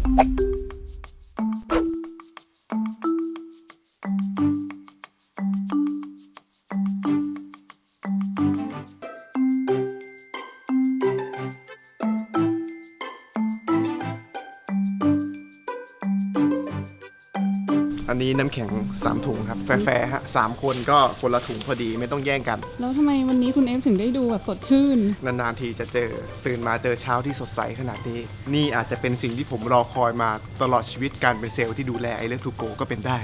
อันนี้น้ำแข็ง3ถุงครับแฟร์ฮะ3คนก็คนละถุงพอดีไม่ต้องแย่งกันแล้วทำไมวันนี้คุณเอฟถึงได้ดูแบบสดชื่นนานๆทีจะเจอตื่นมาเจอเช้าที่สดใสขนาดนี้นี่อาจจะเป็นสิ่งที่ผมรอคอยมาตลอดชีวิตการเป็นเซลล์ที่ดูแลไอเลิฟทูโกก็เป็นได้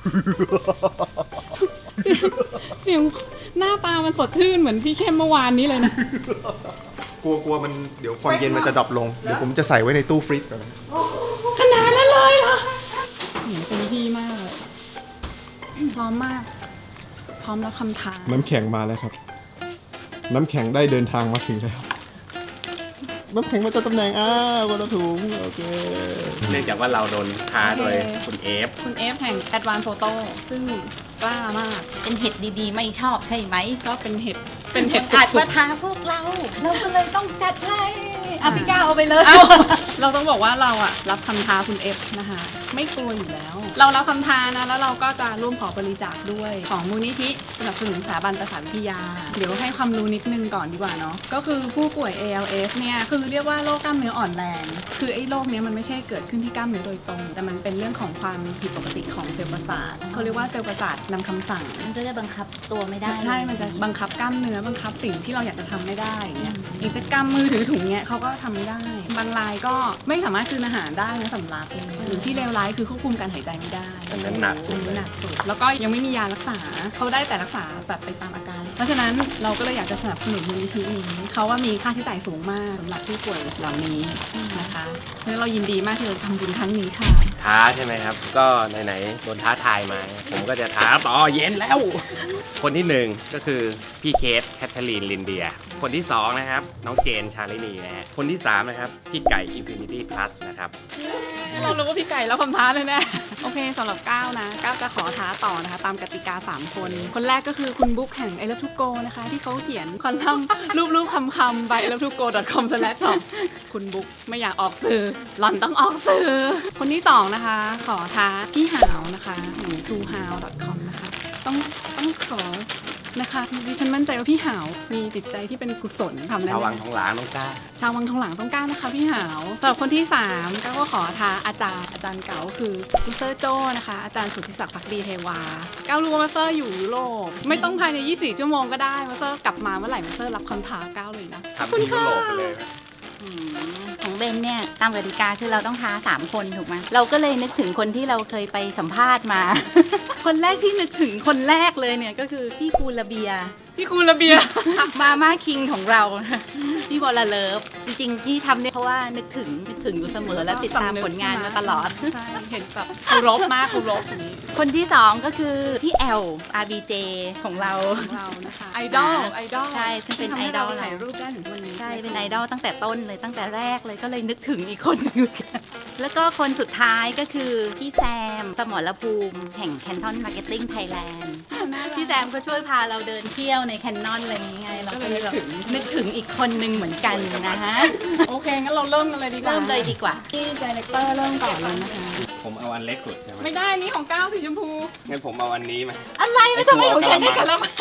เดี๋ยวหน้าตามันสดชื่นเหมือนพี่เข้มเมื่อวานนี้เลยนะกลัวมันเดี๋ยวความเย็นมันจะดรอปลงเดี๋ยวผมจะใส่ไว้ในตู้ฟรีซก่อนนะขนาดนั้นเลยเหรอเต็มที่มากเลยพร้อมมาก พร้อมรับคำท้าน้ำแข็งมาแล้วครับน้ำแข็งได้เดินทางมาถึงแล้วน้ำแข็งมาจากตำแหน่งคนละถุงโอเคเนื่องจากว่าเราโดนท้าโดยคุณเอฟคุณเอฟแห่ง Advanced Photo ซึ่งกล้ามากเป็นเห็ดดีๆไม่ชอบใช่ไหมก็เป็นเห็ดสุอาจดมาท้าพวกเราก็เลยต้องจัดให้พี่ก้าวเอาไปเลยๆเอ้าเราต้องบอกว่าเราอะรับคำท้าคุณเอฟนะคะ ไม่กลัวอยู่แล้ว เรารับคำท้านะแล้วเราก็จะร่วมขอบริจาคด้วยของมูลนิธิสนับสนุนสถาบันประสาทวิทยา เดี๋ยวให้ความรู้นิดนึงก่อนดีกว่าเนาะก็คือผู้ป่วย ALS เนี่ยคือเรียกว่าโรคกล้ามเนื้ออ่อนแรงคือไอ้โรคเนี้ยมันไม่ใช่เกิดขึ้นที่กล้ามเนื้อโดยตรง แต่มันเป็นเรื่องของความผิดปกติของเซลล์ประสาทเขาเรียกว่าเซลล์ประสาทนำคำสั่งมันก็จะบังคับตัวไม่ได้ใช่ มันจะบังคับกล้ามเนื้อบังคับสิ่งที่เราอยากจะทำไม่ได้อย่างเงี้ยอย่างจะกำมือถือถุงเนี้ยเขาก็ทำไม่ได้บางรายก็ไม่สามารถกลืนอาหารได้นะสำลักหรือที่เลวร้ายคือควบคุมการหายใจไม่ได้อันนั้นหนักสุดหนักสุดแล้วก็ยังไม่มียารักษาเขาได้แต่รักษาแบบไปตามอาการ เพราะฉะนั้นเราก็เลยอยากจะสนับสนุนมูลนิธินี้เขาว่ามีค่าใช้จ่ายสูงมากสำหรับผู้ป่วยเหล่านี้นะคะเพราะฉะนั้นเรายินดีมากที่จะทำบุญครั้งนี้ค่ะท้าใช่ไหมครับ ก็ไหนๆโดนท้าทายมา ผมก็จะท้าต่อเย็นแล้ว คนที่หนึ่งก็คือพี่เคทแคทเธอรีนลินเดีย คนที่สองนะครับน้องเจนชาลินีนะฮะคนที่สามนะครับพี่ไก่ Infinity Plus นะครับเรารู้ว่าพี่ไก่แล้วคำท้าแน่ๆโอเคสำหรับก้าวนะก้าวจะขอท้าต่อนะคะตามกติกา3คนคนแรกก็คือคุณบุ๊กแห่ง I Love To Go นะคะที่เขาเขียนคอลัมน์รูปคำๆ by ilovetogo.com/shop คุณบุ๊กไม่อยากออกสื่อหล่อนต้องออกสื่อคนที่2นะคะขอท้าพี่หาวนะคะแห่ง truehow.com นะคะต้องขอนะคะดิฉันมั่นใจว่าพี่หาวมีจิตใจที่เป็นกุศลทำได้ชาววังทองหลางน้องก้าชาววังทองหลางต้องกล้านะคะพี่หาวสำหรับคนที่3ก็ขอท้าอาจารย์เก๋าคือมาสเตอร์โจ้นะคะอาจารย์สุทธิศักดิ์ภักดีเทวาก้าวรู้ว่ามาสเตอร์อยู่ยุโรปไม่ต้องภายใน24ชั่วโมงก็ได้มาสเตอร์กลับมาเมื่อไหร่มาสเตอร์รับคำท้าก้าวเลยนะทำที่ยุโรปไปเลยไหมของเบนเนี่ยตามกติกาคือเราต้องท้า3คนถูกไหมเราก็เลยนึกถึงคนที่เราเคยไปสัมภาษณ์มา คนแรกที่นึกถึงคนแรกเลยเนี่ยก็คือพี่คูลาเบียพี่คูลาเบียมาม่าคิงของเรา พี่บอลเลิฟจริงๆที่ทำเนี่ยเพราะว่านึกถึงอยู่เสมอและติดตามผลงานมาตลอดใช่เห็นแบบเคารพมากเคารพอย่างนี้คนที่2ก็คือพี่แอล RBJ ของเราของเรานะคะไอดอลใช่ซึ่งเป็นไอดอลถ่ายรูปได้ถึงวันนี้ใช่เป็นไอดอลตั้งแต่ต้นเลยตั้งแต่แรกเลยก็เลยนึกถึงอีกคนหนึงเหมือนกันแล้วก็คนสุดท้ายก็คือพี่แซมสมรภูมิแห่ง Canton Marketing Thailand พี่แซมก็ช่วยพาเราเดินเที่ยวในแคนนอนอะไรอย่างเงี้ยเราก็เลยแบบนึกถึงอีกคนนึงเหมือนกันนะฮะโอเคงั้นเราเริ่มกันเลยดีกว่าเริ่มเลยดีกว่าพี่ไดเรคเตอร์เริ่มก่อนเลยนะคะผมเอาอันเล็กสุดใช่ไหมไม่ได้นี่ของก้าวสีชมพูงั้นผมเอาอันนี้มาอะไรไม่ทำไมของฉันได้กันแล้วมัน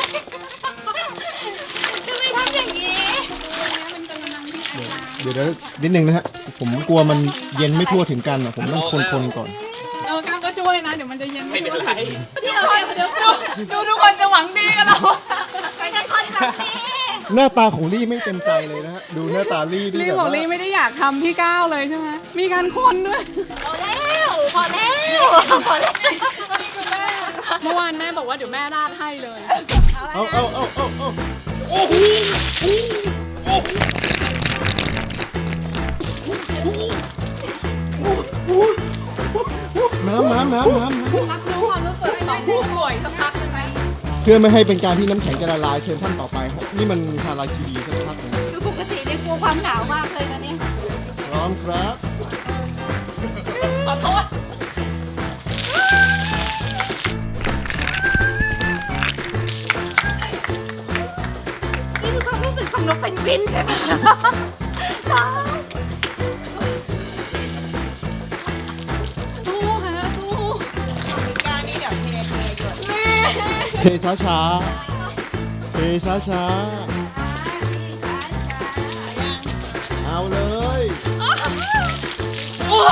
ทำไมทำอย่างนี้กำลังที่ไอดาเดี๋ยวนิดนึงนะฮะผมกลัวมันเย็นไม่ทั่วถึงกันอ่ะผมต้องคนก่อนก้าวก็ช่วยนะเดี๋ยวมันจะเย็นไม่เป็นไรเดี๋ยวดูทุกคนจะหวังดีกับเราไม่ใช่คนแบบนี้หน้าตาของลี่ไม่เต็มใจเลยนะฮะดูหน้าตาลี่ลี่แบบบอกว่าลี่ไม่ได้อยากทำพี่ก้าวเลยใช่ไหมมีการคนด้วยพอแล้วพอแล้วพอแล้วนี่คือแม่เมื่อวานแม่บอกว่าเดี๋ยวแม่ราดให้เลยเอาน้ำรับรู้ความรู้สึกของผู้ป่วยสักพักใช่ไหมเพื่อไม่ให้เป็นการที่น้ำแข็งจะละลายเชิญท่านต่อไปครับนี่มันทาราคีดีสักพักหนึงคือปกติเนี่ยกลัวความหนาวมากเลยนะเนี่ยพร้อมครับขอโทษนี่คือความรู้สึกของนกเป็นกวินใช่ไหมช้าช้าๆเทช้าช้าๆเอาเลยโอ้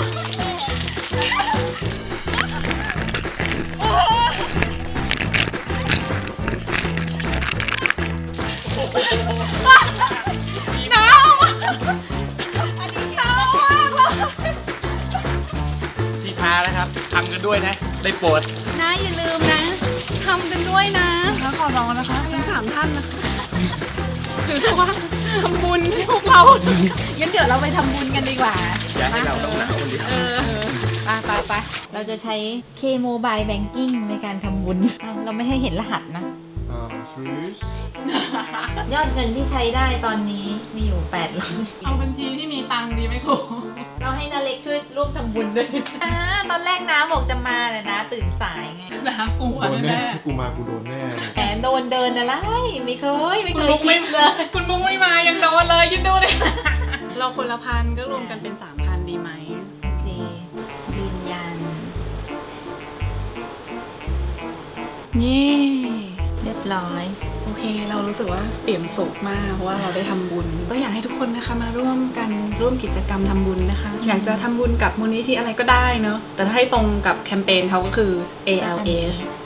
หนาวหนาวมากเลยที่ท้านะครับทำกันด้วยนะ ได้โปรดนะอย่าลืมนะทำกันด้วยนะแล้วขอร้องนะคะทั้ง3 ท่านนะคะถือว่าทำบุญให้พวกเรางั้นเดี๋ยวเราไปทำบุญกันดีกว่าอย่าให้เราต้องหนาวคนเดียวไปเราจะใช้ K Mobile Banking ในการทำบุญเราไม่ให้เห็นรหัสนะ ยอดเงินที่ใช้ได้ตอนนี้มีอยู่800 เอาบัญชีที่มีตังค์ดีไหมครูเราให้นาเล็กช่วยร่วมทำบุญด้วยตอนแรกน้าบอกจะมาแต่น้าตื่นสายไงนะกลัวโดนแน่แน่กูมากูโดนแน่แหมโดนเดินอะไรไม่เคยๆคุณบุ๊กคิไม่ดเลยคุณบุ๊กไม่มายังโดนเลยคิดดูดิเราคนละพันก็รวมกันเป็น 3,000 ดีไหมโอเคยืนยันเย่เรียบร้อยโอเค เรารู้สึกว่าเปี่ยมสุขมากเพราะว่าเราได้ทำบุญก็อยากให้ทุกคนนะคะมาร่วมกันร่วมกิจกรรมทำบุญนะคะ อยากจะทำบุญกับมูลนิธิอะไรก็ได้เนาะแต่ถ้าให้ตรงกับแคมเปญเขาก็คือ ALS